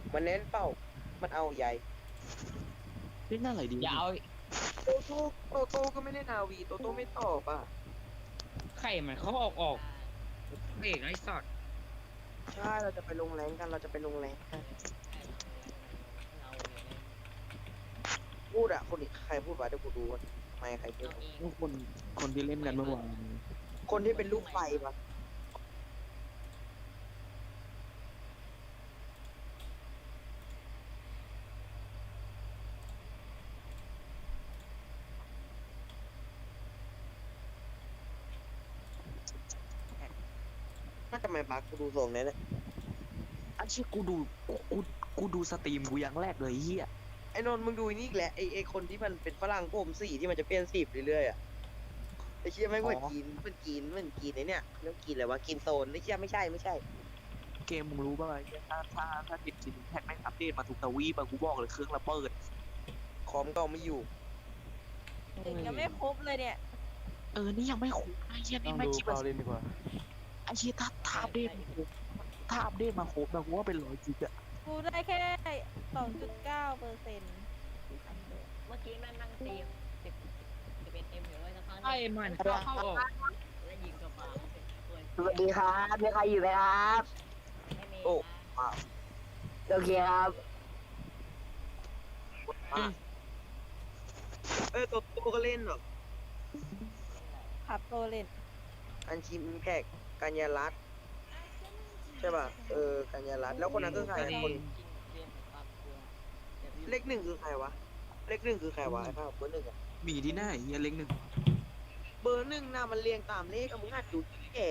มันเน้นเป้ามันเอาใหญ่เล่นอะไรดีอย่าเอาโตโต้ก็ไม่ได้นาวีโตโต้ไม่ตอบอ่ะไข่มันเขาออกเอกไอ้สัตว์ใช่เราจะไปลงแรงกันเราจะไปลงแรงกันพูดอ่ะคนอีกใครพูดวะเดี๋ยวกูดูก่อนไม่ใครพูดคนที่เล่นกันเมื่อวานคนที่เป็นลูกไฟปะน่าจะไม่บักกูดูทรงนี้นะอันเชี่ยกูดูสตรีมกูอย่างแรกเลยเฮียไอ้นนท์มึงดูนี่อีกแหละไอ้คนที่มันเป็นฝรั่งผมสีที่มันจะเปลี่ยนสีเรื่อยๆอ่ะไอ้เชี่ยไม่งเหมือนกินไอ้เนี่ยเรื่องกินอะไรวะกินโซนไอ้เชี่ยไม่ใช่เกมมึงรู้ป่ะเหี้ยถ้าติดจินแท็กไม่งอัปเดตมาถูกทวีปอะกูบอกเลยเครื่องระเบิดคอมก็เอาไม่อยู่ถึงยังไม่ครบเลยเนี่ยนี่ยังไม่คุ้มไอ้เหี้ยต้นี่องไม่ดูคิดเปว่าล่าเล่นดีกว่าไอ้เหี้ยถ้าอัปเดตมาครบถ้าอัปเดตมาครบนะกูว่าเป็น100 จิกอะกูได้แค่ 2.9% เมื่อกี้แม่งนั่งตี10 11 M อยู่เลยสักพักไข่มันเข้าออกแล้วยิงกระเป๋าเสร็จเลยสวัสดีครับมีใครอยู่ไหมครับไม่มีโอ้นะโอเคครับโตโต้ก็เล่นเหรอขับโตเล่นอันชิมแพกกัญญารัตน์ใช่ป่ะกัญญารัตน์แล้วคนนั้นคือใครคนกินเรียนความกลัวดี๋ยวพี่เลขหนึ่งคือใครวะเลขหนึ่งคือใครวะไอ้ภาพเบอร์หนึ่งอะมีที่หน้าไอ้เหี้ยเล็กหนึ่งเบอร์หนึ่งน่ะมันเรียงตามเลขอะมึงหัดดูที่แก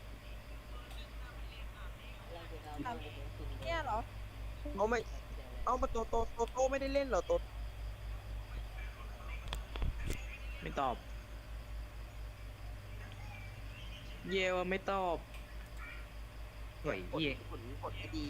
เราจะเอาไปกินเนี่ยเหรอเอาไม่เอามาโตไม่ได้เล่นเหรอโตไม่ตอบ เยวไม่ตอบเฮ้ยเหี้ยผลไม่ดี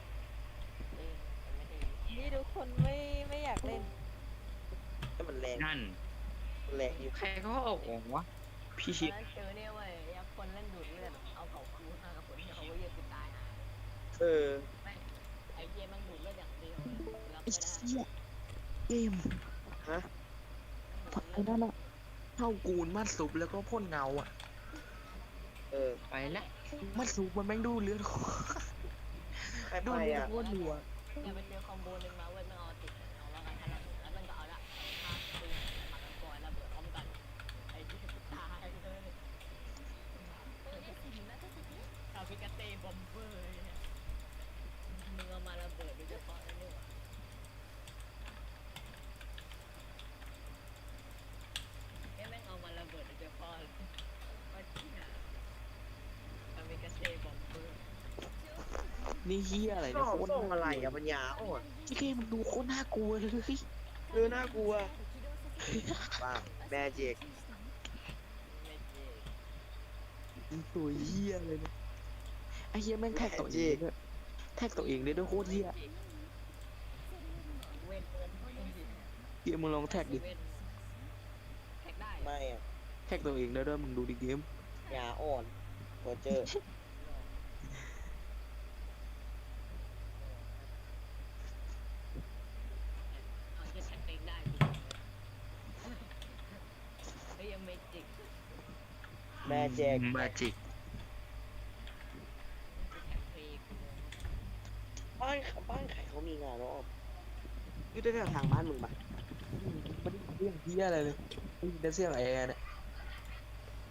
ไม่ได้นี่ทุกคนไม่อยากเล่นแต่มันแรงนั่นมันแรงอยู่ใครเขาออกวะพี่ตอชินดนั้นเจอเนี่ยเว้ยยักษ์คนเล่นดูดเลือดเอาเขาคูห้ากับคนที่เขาเยอะกูตายหาเออแม่งไอ้เจมันดูดเลือดอย่างเดียวรับไอ้ไม่ได้เหี้ยเกมฮะไอ้นั่นอะเท่ากูนมัดซุปแล้วก็พ่นเงาอะเออไปละมัดซุปมันแม่งดูเลือดใครดูไปเลือดอ่ะโคตรรัวอย่าไปเจอคอมโบนึงมาเว้ยมันเอาติดเอาแล้วกันทันแล้วมันก็เอาละฆ่าปืนมากันก่อนระเบิดพร้อมกันไอ้ที่ตายเลยคาพิกาเต้บอมเบอร์เนี่ยมึงเอามาระเบิดโดยเฉพาะนั่นนี่หว่าแม่งเอามาระเบิดโดยเฉพาะว่าที่ไหนคาพิกาเต้บอมเบอร์นี่เฮียอะไรส่เนี่ยองโคตรส่องอะไรอ่ะปัญญาอ่อนเกมมันดูโคตรน่ากลัวเลยน่ากลัวว้าวแมจิกไม่เจ๊ตัวเฮียเลยเนี่ยไอ้เฮียแม่งแท็กตัวเองด้วยแท็กตัวเองได้ด้วยโคตรเฮียเว้นเกมมึงลองแท็กดิเว้นแท็กได้ไม่อ่ะแท็กตัวเองได้ด้วยมึงดูดิเกมยาอ่อนโรเจอร์เอาจะแท็กเองได้เฮ้ยยังไม่จิกแม่แจกมาจิกแท็กฟรีบ้านใครเขามีงานเนาะอยู่แถวๆทางบ้านมึงปะมันเรื่องเฮียอะไรเลยได้ยินแต่เสียงแอร์เนี่ย